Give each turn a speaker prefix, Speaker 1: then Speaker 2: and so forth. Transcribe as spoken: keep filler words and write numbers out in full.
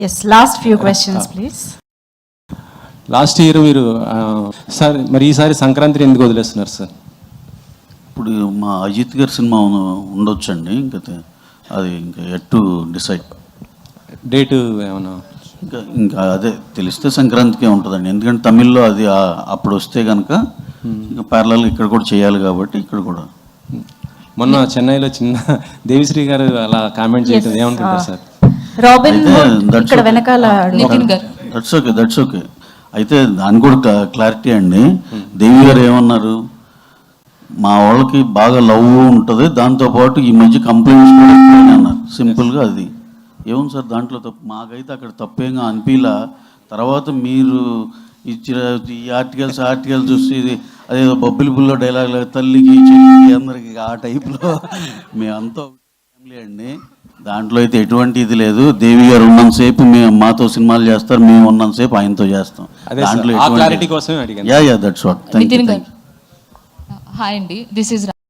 Speaker 1: Yes, last few questions, please.
Speaker 2: Last year మీరు sir మరి ఈసారి సంక్రాంతిని ఎందుకు వదిలేస్తున్నారు సార్?
Speaker 3: ఇప్పుడు మా అజిత్ గారి సినిమా ఉండొచ్చండి, ఇంకా అది ఇంకా ఎట్ టు డిసైడ్
Speaker 2: డేటు ఏమన్నా
Speaker 3: ఇంకా ఇంకా అదే తెలిస్తే సంక్రాంతికే ఉంటుందండి. ఎందుకంటే తమిళ్లో అది అప్పుడు వస్తే కనుక ఇంకా ప్యారలల్ ఇక్కడ కూడా చేయాలి కాబట్టి ఇక్కడ కూడా.
Speaker 2: మొన్న చెన్నైలో చిన్న దేవిశ్రీ గారు అలా కామెంట్ చేయడం ఏమనుకుంటారు సార్?
Speaker 1: రాబిన్ ఇక్కడ వెనకాల
Speaker 3: దట్స్ ఓకే దట్స్ ఓకే అయితే దాని కూడా క్లారిటీ అండి. దేవి గారు ఏమన్నారు, మా వాళ్ళకి బాగా లవ్ ఉంటుంది, దాంతోపాటు ఈ మధ్య కంప్లైంట్స్ కూడా అన్నారు. సింపుల్గా అది ఏముంది సార్ దాంట్లో తప్పు? మాకైతే అక్కడ తప్పేంగా అనిపిలా. తర్వాత మీరు ఇచ్చిన ఈ ఆర్టికల్స్ ఆర్టికల్స్ చూసి అదేదో బొబ్బిలి బుల్లో డైలాగ్ తల్లికి చెల్లికి అందరికి ఆ టైప్లో మేమంతా ఫ్యామిలీ అండి. దాంట్లో అయితే ఎటువంటి ఇది లేదు. దేవి గారు ఉన్నంతసేపు మేము మాతో సినిమాలు చేస్తారు, మేము ఉన్నంతసేపు ఆయనతో చేస్తాం. దాంట్లో
Speaker 2: క్లారిటీ కోసమే అడిగాను.
Speaker 3: Yeah yeah that's what. Thank you.
Speaker 4: Hi అండి, దిస్ ఇస్